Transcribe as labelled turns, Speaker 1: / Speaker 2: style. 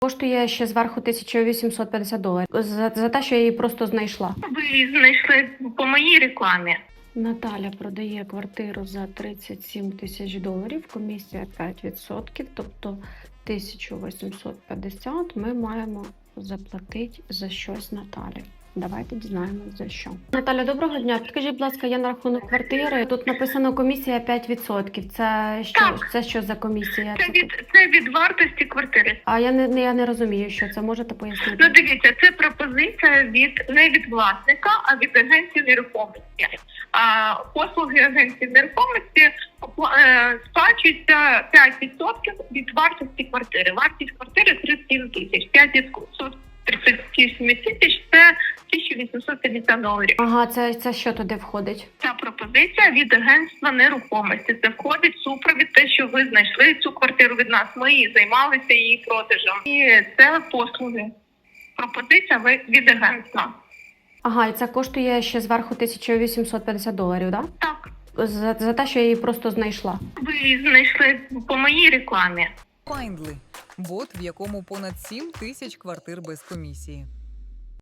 Speaker 1: Коштує ще зверху $1850 за те, що я її просто знайшла.
Speaker 2: Ви її знайшли по моїй рекламі.
Speaker 1: Наталя продає квартиру за $37 тисяч, комісія 5%, тобто 1850 ми маємо заплатити за щось Наталі. Давайте дізнаємось за що. Наталя, доброго дня. Підкажіть, будь ласка, я на рахунок квартири. Тут написано комісія 5%. Це що за комісія?
Speaker 2: Це від вартості квартири.
Speaker 1: А я не розумію, що це. Можете пояснити?
Speaker 2: Ну, дивіться, це пропозиція не від власника, а від агенції нерухомості. А послуги агенції нерухомості сплачуються 5% від вартості квартири. Вартість квартири 37 тисяч. 5% 37 тисяч – це $1850.
Speaker 1: Ага, це що туди входить?
Speaker 2: Ця пропозиція від агентства нерухомості. Це входить супровід те, що ви знайшли цю квартиру від нас. Ми її займалися її продажем. І це послуги. Пропозиція від агентства.
Speaker 1: Ага, і це коштує ще зверху $1850, да?
Speaker 2: Так.
Speaker 1: За те, що я її просто знайшла.
Speaker 2: Ви її знайшли по моїй рекламі.
Speaker 3: Findly – бот, в якому понад 7 тисяч квартир без комісії.